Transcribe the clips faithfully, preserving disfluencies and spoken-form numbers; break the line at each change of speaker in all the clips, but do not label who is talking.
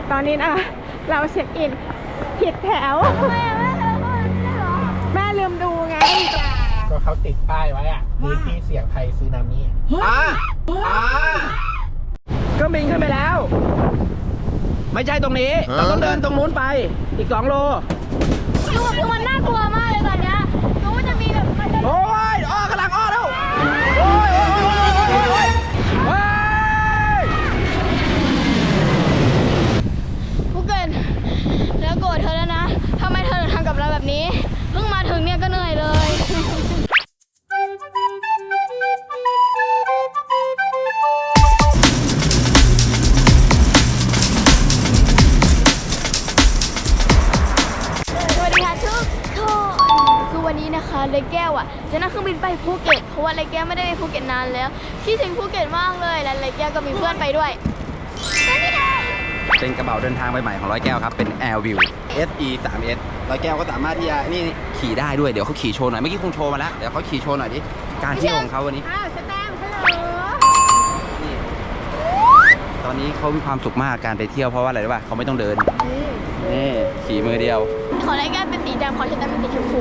ตอนนี้นะเราเช็คอินผิดแถวแม่ลืมดูไง
ก็เขาติดป้ายไว้อะพื้นที่เสี่ยงภัยสึนามิอ่าอ่าก็บินขึ้นไปแล้วไม่ใช่ตรงนี้เราต้องเดินตรงนู้นไปอีกสองโล
ดูคือมันน่ากลัวมากเลยตอนเนี้ยรู้ว่าจะมีแบบมันจะ
โอ้ยอ้อกำลังอ้อแล้วโอ้ยโอ้ยโอ้ยโอ้ยโอ้ยโอ้ย
ผู้เกินแล้วโกรธเธอแล้วนะทำไมเธอถึงทำกับเราแบบนี้เพิ่งมาถึงเนี่ยก็เหนื่อยเลยวันนี้นะคะเลแก้วอ่ะจะนั่งเครื่องบินไปภูเก็ตเพราะว่าเลแก้วไม่ได้ไปภูเก็ตนานแล้วคิดถึงภูเก็ตมากเลยและเลแก้วก็มีเพื่อนไปด้วย
เป็นกระเป๋าเดินทางใบใหม่ของร้อยแก้วครับเป็น Airview เอส อี สาม เอส ร้อยแก้วก็สามารถที่จะนี่ขี่ได้ด้วยเดี๋ยวเขาขี่โชว์หน่อยเมื่อกี้คงโชว์มาแล้วเดี๋ยวเขาขี่โชว์หน่อยดิการเที่ยวของเขาวันนี้
อ้าวสแตมป์ฮัลโหล
นี่ตอนนี้เขามีความสุขมากการไปเที่ยวเพราะว่าอะไรรู้ป่ะเขาไม่ต้องเดินนี่ขี่มือเดียว
ของเลแก้วเป็นสีดำของฉันเป็นสีชมพู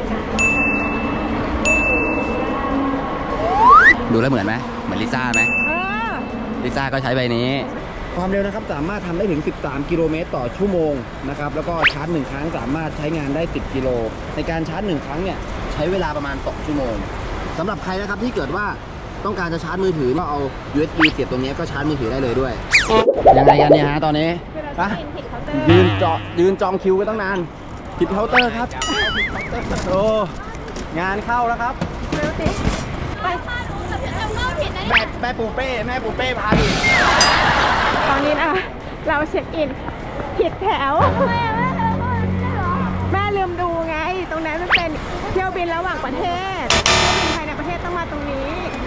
ดูแล้วเหมือนไหมเหมือนลิซ่าไหมลิซ่าก็ใช้ใบนี้
ความเร็วนะครับสามารถทำได้ถึงสิบสามกิโลเมตรต่อชั่วโมงนะครับแล้วก็ชาร์จหนึ่งครั้งสามารถใช้งานได้สิบกิโลในการชาร์จหนึ่งครั้งเนี่ยใช้เวลาประมาณสองชั่วโมงสำหรับใครนะครับที่เกิดว่าต้องการจะชาร์จมือถือก็เอา ยู เอส บี เสียบตรงนี้ก็ชาร์จมือถือได้เลยด้วยยังไงกันเนี่ยฮะตอนนี้ปะยืนจอยืนจองคิวกันตั้งนานผิดเคาน์เตอร์ครับโอ้งานเข้าแล้วครับ
ไปพาหนูกับฉันจำเล่าผิดนะ
เนี่ยแม่ปูเป้แม่ปูเป้พาดิ
ตอนนี้นะเราเช็คอินผิดแถวแม่ลืมดูไงตรงนั้นมันเป็นเที่ยวบินระหว่างประเทศเที่ยวบินภายในประเทศต้องมาตรงนี้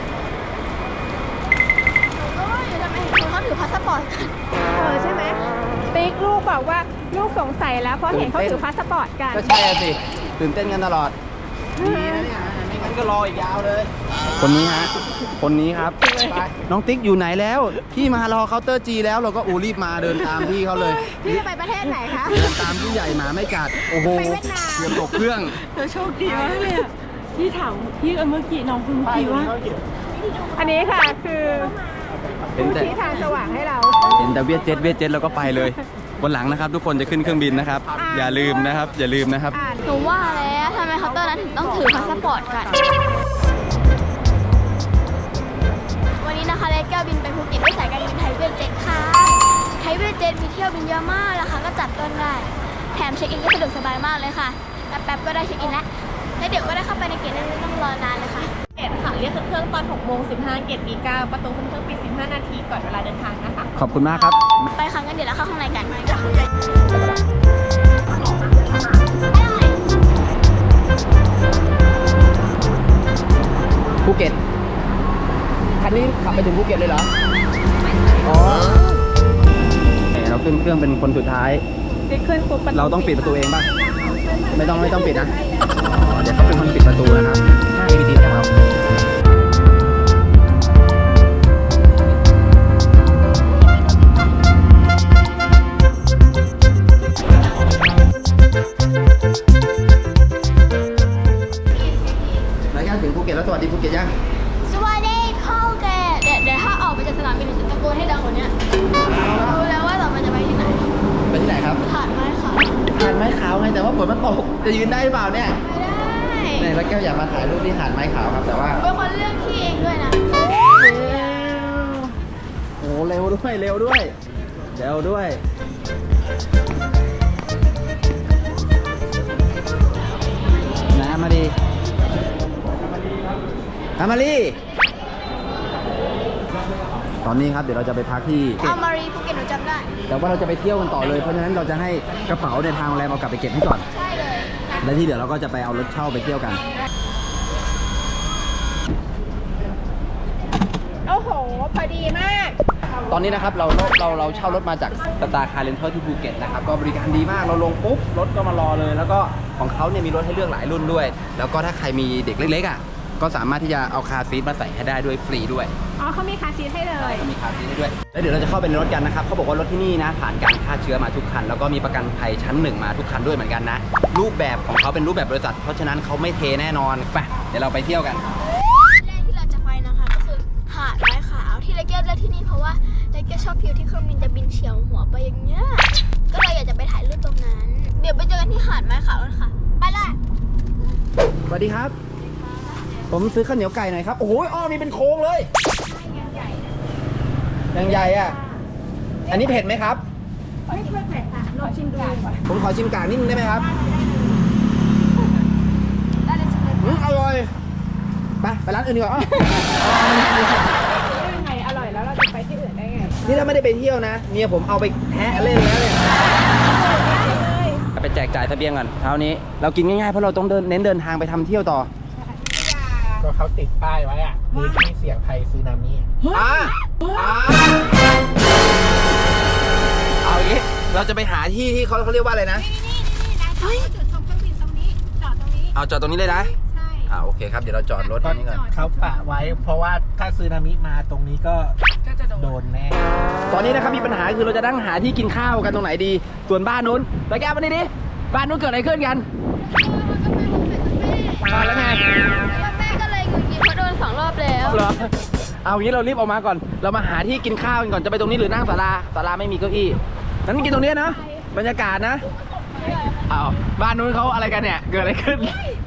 โอ้ยทำไมเขาถือพาสปอร์ตกัน
เออใช่ไหมติ๊กลูกบอกว่าลูกสงสัยแล้วเพราะเห็นเขาถือพาสปอร์ตกัน
ก็ใช่สิตื่นเต้นกันตลอดดีนะเนี่ยไม่งั้นก็รออีกยาวเลย
คนนี้ฮะคนนี้ครับน้องติ๊กอยู่ไหนแล้วพี่มารอเคาน์เตอร์จีแล้วเราก็อูรีบมาเดินตามพี่เขาเลย
พี่จะไปประเทศไหนคะ
เดินตามพี่ใหญ่หมาไม่กัดโอ้โห
ไปเวียดนาม
เตรียมตกเครื่อง
เธอโชคดีมากเลยพี่ถามพี่เมื่อกี้น้องคุณเมื่อกี้ว่าอันนี้ค่ะคือผู้ชี้ทางสว่างให้เรา
เห็นแต่เวียดเจ็ตเวียดเจ็ตเราก็ไปเลยวันหลังนะครับทุกคนจะขึ้นเครื่องบินนะครับอย่าลืมนะครับอย่าลืมนะครับ
หนูว่าแล้วทำไมเคาน์เตอร์นั้นถึงต้องถือพาสปอร์ตกันวันนี้นะคะเลแก้วบินไปภูเก็ตด้วยสายการบินไทยเวียดเจ็ตค่ะไทยเวียดเจ็ตมีเที่ยวบินเยอะมากราคาก็จับต้นได้แถมเช็คอินก็สะดวกสบายมากเลยค่ะแป๊บๆก็ได้เช็คอินแล้วแล้วเดี๋ยวก็ได้เข้าไปในเกตแล้วไม่ต้องรอนานเลยค่ะ
เกตค่ะเรียกเครื่องตอนหกโมงสิบห้าเกตปีเก้าประตูเครื่องปิดสิบห้านาทีก่อนเวลาเดินทางนะคะ
ขอบคุณมากครับ
ไปค่ะงั้นเดี๋ยวเราเข้าข้างในกัน
ภูเก็ตคันนี้ขับไปถึงภูเก็ตเลยเหรออ๋อ
เราขึ้นเครื่องเป็นคนสุดท้ายเราต้องปิดประตูเองป่ะไม่ต้องไม่ต้องปิดนะเดี๋ยวเขาเป็นคนปิดประตูนะครับถ้า เอ บี ที ของเราแล้วยังถึงภูเก็ตแล้วสวัสดีภูเก็ตยัง
สวัสดีภูเก็ตเดี๋ยวเดี๋ยวถ้าออกไปจากสนามบินจะตะโกนให้ดังกว่านี้รู้แล้วว่าต่อไปจะไปที่ไหน
ไปที่ไหนครับ
หาดไม้ขาว
หาดไม้ขาวไงแต่ว่าฝนมันตกจะยืนได้หรือเปล่าเนี่ย
ไม่ได้
เนี่ยแล้วแก้วอยากมาถ่ายรูปที่หาดไม้ขาวครับแต่ว่า
เป็นคนเลือกที่เองด้วยนะ
โอ้เร็วด้วยเร็วด้วยเร็วด้วยน้ำมาดีอามารีตอนนี้ครับเดี๋ยวเราจะไปพักที่
อามารีภูเก็ตหนูจำได้
แต่ว่าเราจะไปเที่ยวกันต่อเลยเพราะฉะนั้นเราจะให้กระเป๋าในทางโรงแรมเอากลับไปเก็บให้ก่อน
ใช่เลย
และที่เดี๋ยวเราก็จะไปเอารถเช่าไปเที่ยวกัน
โอ้โหพอดีมาก
ตอนนี้นะครับเราเราเราเช่ารถมาจากสตาร์คาร์เรนทัลที่ภูเก็ตนะครับก็บริการดีมากเราลงปุ๊บรถก็มารอเลยแล้วก็ของเขาเนี่ยมีรถให้เลือกหลายรุ่นด้วยแล้วก็ถ้าใครมีเด็กเล็กๆอ่ะก็สามารถที่จะเอาคาร์ซีทมาใส่ให้ได้ด้วยฟรีด้วย
อ๋อเขามีคาร์ซีทให้เลย
มีคาร์ซีทให้ด้วยแล้วเดี๋ยวเราจะเข้าไปในรถกันนะครับเขาบอกว่ารถที่นี่นะผ่านการฆ่าเชื้อมาทุกคันแล้วก็มีประกันภัยชั้นหนึ่งมาทุกคันด้วยเหมือนกันนะรูปแบบของเขาเป็นรูปแบบบริษัทเพราะฉะนั้นเขาไม่เทแน่นอนไปเดี๋ยวเราไปเที่ยวกัน
แรกที่เราจะไปนะคะก็คือหาดไม้ขาวที่เลเกอร์เลือกที่นี่เพราะว่าเลเกอร์ชอบวิวที่เครื่องบินจะบินเฉียวหัวไปอย่างเงี้ยก็เลยอยากจะไปถ่ายรูปตรงนั้น เดี๋ยวไปเจอกันที่หาดไม้ขาวกันค่ะไปเลย
สวัสดีครับ ผมซื้อข้าวเหนียวไก่หน่อยครับโอ้โหอ้อมีเป็นโค้งเลยยังใหญ่อ่ะอันนี้เผ็ดไหมครับไม่เผ็ดค่ะลองชิมดูผมขอชิมกากนิดนึงได้ไหมครับอืมอร่อยไปไปร้านอื่นดีกว่าอ้อ
ยังไงอร่อยแล้วเราจะไปที่อื่นได้ไง
นี่ถ้าไม่ได้ไปเที่ยวนะเมียผมเอาไปแทะเล่นแล้วเนี่ยไปแจกจ่ายเสบียงก่อนเช้านี้เรากินง่ายๆเพราะเราต้องเดินเน้นเดินทางไปทำเที่ยวต่อ
ก็เขาติดป้ายไว้อะพื้นที่เสี่ยงภัยสึนามิอ่าอ่าเอาอย่างนี้เราจะไปหาที่ที่เขาเขาเรียกว่าอะไรนะ
จุดชมเครื่องบินตรงนี้จอดตรงนี้
เอาจอดตรงนี้เลยนะ
ใช่
อ่าโอเคครับเดี๋ยวเราจอดรถตรงนี้ก่อน
เขาปะไว้เพราะว่าถ้าสึนามิมาตรงนี้ก็
ก็จะโด
โด
น
นแน่
ตอนนี้นะครับมีปัญหาคือเราจะนั่งหาที่กินข้าวกันตรงไหนดีส่วนบ้านนู้นไปแก้วมาดิดิบ้านนู้นเกิดอะไรขึ้นกันมาแล้วไง
แม่ก็เลยหงุดหงิดเพราะโดนสองรอบแล้ว
เหรอเอางี้เรารีบออกมาก่อนเรามาหาที่กินข้าวกันก่อนจะไปตรงนี้หรือนั่งศาลาศาลาไม่มีเก้าอี้นั้นกินตรงนี้นะบรรยากาศนะเอาบ้านนู้นเขาอะไรกันเนี่ยเกิดอะไรขึ้น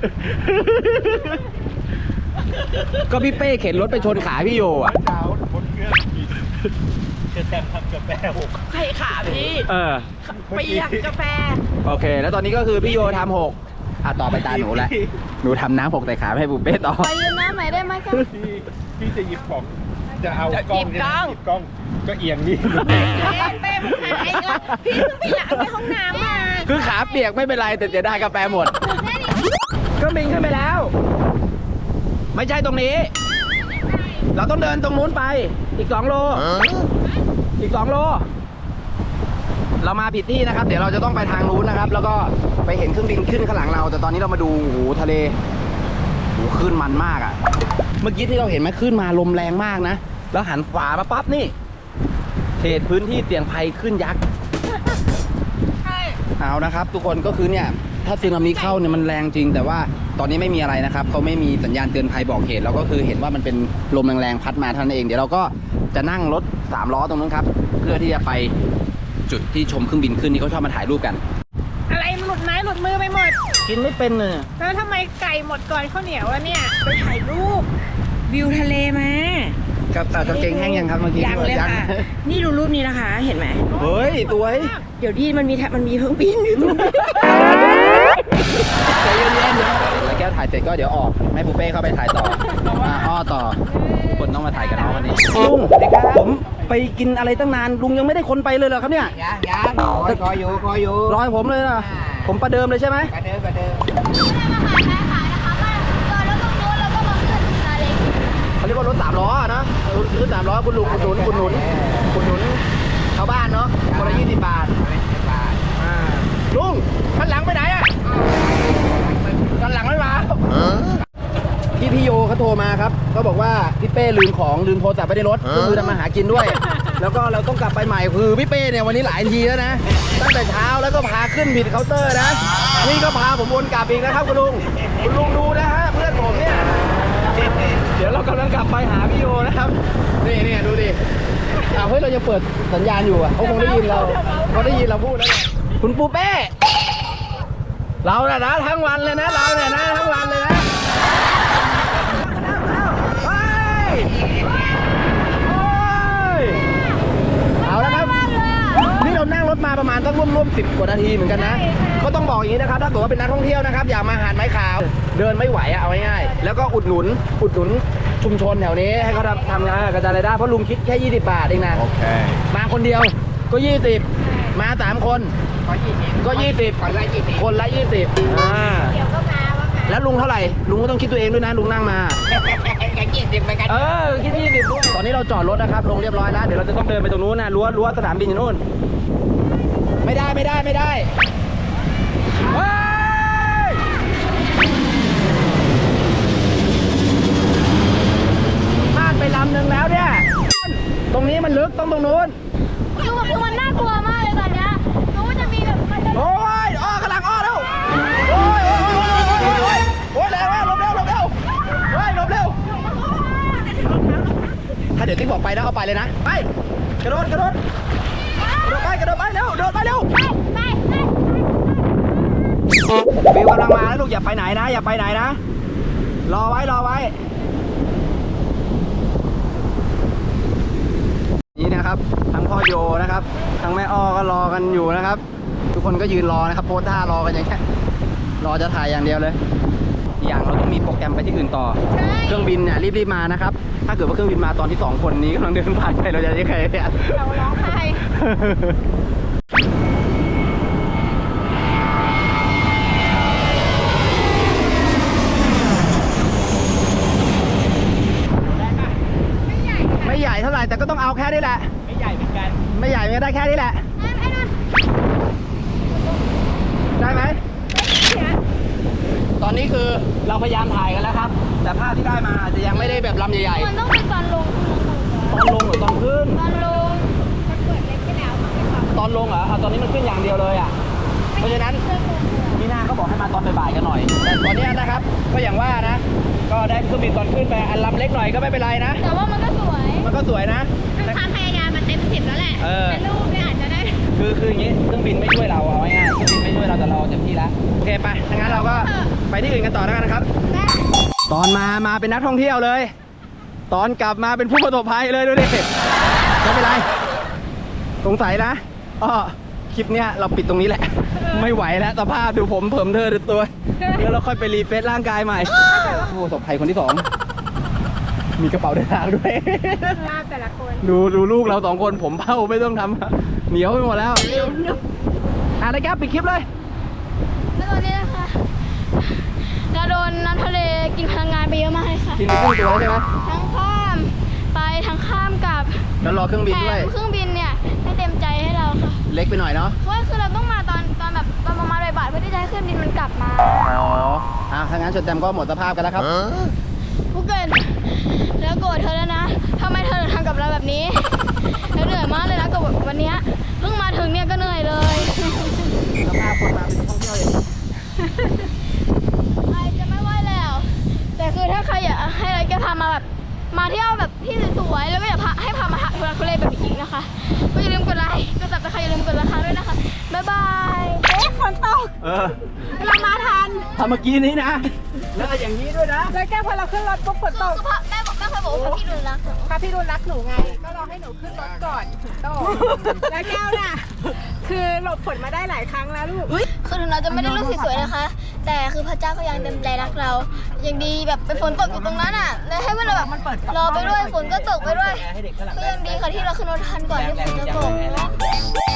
ก็พี่เป้เข็นรถไปชนขาพี่โยอ่ะ
เช้าบนเครื่องกินจะแต้มทำกาแฟหก
ใช่ขาพี่
เออ
เปียกกาแฟ
โอเค แล้วตอนนี้ก็คือพี่โยทำหกอ่ะต่อไปตาหนูแล้วหนูทำน้ำหกใส่ขาให้บุเป้ต่อ
ไปยืนหน้าใหม่ได้ไหมคะ
พี่พี่จะหยิบของจะเอา
จะ
กล้อง
หยิบกล้อง
หยิบกล้องก็เอียงนี่
เป้เป้มึงหายก็พี่เพิ่งไปล้างในห้องน้ำมา
คือขาเปียกไม่เป็นไรแต่เสียดายกาแฟหมดก็บินขึ้นไปแล้ว ไม่ใช่ตรงนี้ เราต้องเดินตรงนู้นไปอีกสองโลอีกสองโลเรามาผิดที่นะครับ เดี๋ยวเราจะต้องไปทางนู้นนะครับ แล้วก็ไปเห็นเครื่องบินขึ้นข้างหลังเรา แต่ตอนนี้เรามาดูโอ้โหทะเลโอ้โหคลื่นมันมากอ่ะ เมื่อกี้ที่เราเห็นไหมคลื่นมาลมแรงมากนะแล้วหันขวามาปั๊บนี่เขตพื้นที่เสี่ยงภัยขึ้นยักษ์
ใช่
เอานะครับทุกคนก็คือเนี่ยถ้าสึนามิเข้าเนี่ยมันแรงจริง แต่ว่าตอนนี้ไม่มีอะไรนะครับเขาไม่มีสัญญาณเตือนภัยบอกเหตุเราก็คือเห็นว่ามันเป็นลมแรงๆพัดมาเท่านั้นเองเดี๋ยวเราก็จะนั่งรถสามล้อตรงนั้นครับเพื่อที่จะไปจุดที่ชมเครื่องบินขึ้นที่เขาชอบมาถ่ายรูปกัน
อะไรมันหลุดไม้หลุดมือไปหมด
กินไม่เป็นเลย
แล้วทำไมไก่หมดก่อนข้าวเหนียวแล้วเนี่ย ไปถ่ายรูป วิวทะเลมา
ครับแต่กางเกงแห้งยังครับเมื่อกี้
ยังเลยค่ะ นี่ดูรูปนี้นะคะ เห็นไหม
เฮ้ยตัวเฮ้ย
เดี๋ยวดีมันมีแทมันมีเครื่องบินอยู่ตรงนี้
ใจเย็นๆเดี๋ยวแล้วแก้วถ่ายเสร็จก็เดี๋ยวออกให้ปูเป้เข้าไปถ่ายต่อมาอ้อต่อทุกคนต้องมาถ่ายกับน้องวันนี้ลุงผมไปกินอะไรตั้งนานลุงยังไม่ได้คนไปเลยเหรอครับเนี่ย
ยังยังคอยคอยอยู่คอยอยู่
รอยผมเลยนะผมประเดิมเลยใช่ไหม
กระเดินกระเดิน
ไม่ได้มาขายแม่ขายนะคะว่าจอดรถตรงนู้นแล้วก็มาขึ้นซาเล้ง
เขาเรียกว่ารถสามล้ออะนะรถสามล้อคุณลุงคุณหนุนคุณหนุนคุณหนุนชาวบ้านเนาะคนละยี่สิบบาทอ่าลุงคันหลังไปไหนอ่ะคันหลังไม่มาพี่พี่โยเขาโทรมาครับเขาบอกว่าพี่เป้ลืมของลืมโทรศัพท์ไปในรถก็คือทำมาหากินด้วย แล้วก็เราต้องกลับไปใหม่คือพี่เป้เนี่ยวันนี้หลายทีแล้วนะตั้งแต่เช้าแล้วก็พาขึ้นผิดเคาน์เตอร์นะนี่ก็พาผมวนกลับอีกนะครับคุณลุงคุณลุงดูนะฮะเพื่อนผมเนี่ยเดี๋ยวเรากำลังกลับไปหาพี่โยนะครับนี่นี่ดูดิอ้าวเฮ้ยเราจะเปิดสัญญาณอยู่อ่ะเขาคงได้ยินเราเขาได้ยินเราพูดแล้วคุณปูเป้เราเนี่ยนะทั้งวันเลยนะเราเนี่ยนะทั้งวันเลยนะเอาละครับนี่เรานั่งรถมาประมาณต้องร่วมร่วมสิบกว่านาทีเหมือนกันนะก็ต้องบอกอย่างนี้นะครับถ้าเกิดว่าเป็นนักท่องเที่ยวนะครับอย่ามาหาดไม้ขาวเดินไม่ไหวอะเอาง่ายๆแล้วก็อุดหนุนอุดหนุนชุมชนแถวนี้ให้เขาทำทำงานกระจายรายได้เพราะลุงคิดแค่ยี่สิบบาทเองนะ
โอเค
มาคนเดียวก็ยี่สิบมาสามคนก็ยี่สิบคนละยี่สิบคนละยี่สิบอ่า
เดี๋ยวก็มาว่าไง
แล้วลุงเท่าไหร่ลุงก็ต้องคิดตัวเองด้วยนะลุงนั่งมา
ยังยี่สิบเหมือนกัน
เออคิดยี่สิบตอนนี้เราจอดรถนะครับลงเรียบร้อยแล้วเดี๋ยวเราจะต้องเดินไปตรงนู้นนะรั้วรั้วสนามบินอยู่นู่นไม่ได้ไม่ได้ไม่ได้เฮ้ยลำหนึ่งแล้วเนี่ย ตรงนี้มันลึกต้องตรงนู้น
คือแบบคือมันน่ากลัวมากเลยตอนเนี้ยรู้ว่าจะมีแบบมันจะ
โอ้ยอ้อกำลังอ้อแล้วโอ้ยโอ้ยโอ้ยโอ้ยโอ้ยโอ้ยเร็วหลบเร็วหลบเร็วเฮ้ยหลบเร็วถ้าเดี๋ยวติ๊กบอกไปนะเอาไปเลยนะไปกระโดดกระโดดกระโดดไปกระโดดไปเร็วโดดไปเร็ว
ไปไปไป
บิวกำลังมาแล้วลูกอย่าไปไหนนะอย่าไปไหนนะรอไว้รอไว้นี่นะครับทั้งพ่อโยนะครับทั้งแม่อ้อก็รอกันอยู่นะครับ ทุกคนก็ยืนรอนะครับโพสท่ารอกันอย่างแค่รอจะถ่ายอย่างเดียวเลยอีกอย่างเราต้องมีโปรแกรมไปที่อื่นต่อเครื่องบินเนี่ยรีบๆมานะครับถ้าเกิดว่าเครื่องบินมาตอนที่สองคนนี้กำลังเดินผ่านไปเราจะยังไงเนี่ย
เราร้องไห้
ไม่ใหญ่เท่าไหร่แต่ก็ต้องเอาแค่นี้แหละไม่ใหญ่เหมือนกันไม่ใหญ่ก็ได้แค่นี้แหละได้ไหมตอนนี้คือเราพยายามถ่ายกันแล้วครับแต่ภาพที่ได้มาอาจจะยังไม่ได้แบบลำใหญ่
มันต้องเป็นตอนลง
ๆตอนลงหรือตอนขึ้น
ตอนลง
ตอนลงเหรอเอาตอนนี้มันขึ้นอย่างเดียวเลยอ่ะเพราะฉะนั้นพี่หน้าก็บอกให้มาตอนบ่ายๆกันหน่อยแต่ตอนนี้นะครับก็อย่างว่านะก็ได้เครื่องบินตอนขึ้นไปอันลำเล็กหน่อยก็ไม่เป็นไรนะ
แต่ว่ามันก็สวย
มันก็สวยนะ
ความพยายามมันเต็มสิบแล้วแหละ
เออ
แต่รูปเนี่ยอาจจะได้
คือคืออย่างนี้เครื่องบินไม่ช่วยเราเอาง่ายๆเครื่องบินไม่ช่วยเราแต่เราเต็มที่แล้วโอเคไปถ้างั้นเราก็ไปที่อื่นกันต่อแล้วกันนะครับ ตอนมามาเป็นนักท่องเที่ยวเลย ตอนกลับมาเป็นผู้ประสบภัยเลยดูดิไม่เป็นไรสงสัยนะอ้อคลิปเนี้ยเราปิดตรงนี้แหละ ไม่ไหวแล้วสภาพดูผมเผิมเธอดูตัวแล้วเราค่อยไปรีเฟซร่างกายใหม่ผู้ประสบภัยคนที่สองมีกระเป๋าเดินทางด้วย
ภาพแต่ละคน
ดูดูลูกเราสองคนผมเผ้าไม่ต้องทำเหนียวไปหมดแล้วอ่ะเลยครับปิดคลิปเลย
แล้วตอนนี้นะคะเราโดนน้ำทะเลกินพลังงานไปเยอะมากเลยค่ะ
กินไปครึ่งตัวแล้วใช่ไหม
ทั้งข้ามไปทั้งข้ามกลับ
แล้วรอเครื่องบิน
แถ
ด้วย
มเครื่องบินเนี่ยไม่เต็มใจให้เราค่ะ
เล็กไปหน่อยเนาะ
เพราะว่าคือเราต้องมาตอนตอนแบบตอนประมาณบ่ายๆเพื่อที่จะให้เครื่องบินมันกลับมา
อ๋ออ่ะถ้างั้นชนแตมก็หมดสภาพกันแล้วครับ
ผู้เกินแล้วโกรธเธอแล้วนะทำไมเธอถึงทำกับเราแบบนี้แล้วเหนื่อยมากเลยนะกับวันเนี้ยเพิ่งมาถึงเนี่ยก็เหนื่อยเลย
สภาพคนมาเป็นท่องเที่ยวอย่างนี้
ใครจะไม่ไหวแล้ว แต่คือถ้าใครอยากให้เราแกพามาแบบมาเที่ยวแบบที่สวยๆแล้วก็อยากพาให้พามาหาทุลักทุเลแบบอีกนะคะก็อย่าลืมกดไลค์กดซับสไครต์อย่าลืมกดราคาด้วยนะคะบ๊ายบาย
เอ๊ะฝนตก
เออ
เรามาทัน
ทำเมื่อกี้นี้นะ แล้วก็อย่างนี้ด้วยนะ
แล้วแก้วพอเราขึ้นรถปุ๊บฝนตก
คือพ่อแม่บอกแม่เคยบอกว่าพี่ดูรักหนู
พระพี่รุ่นรักหนูไง ก็รอให้หนูขึ้นรถก่อนถึงโตกแล้วแก้วน่ะ คือหลบฝนมาได้หลายครั้งแล้วลูก
คือถึงเราจะไม่ได้รูปสวยๆนะคะ แต่คือพระเจ้าก็ยังเต็มใจรักเรายังดีแบบเป็นฝนตกอยู่ตรงนั้นอ่ะเลยให้เราแบบรอไปด้วยฝนก็ตกไปด้วยก็ยังดีค่ะที่เราขึ้นรถทันก่อนที่ฝนจะตก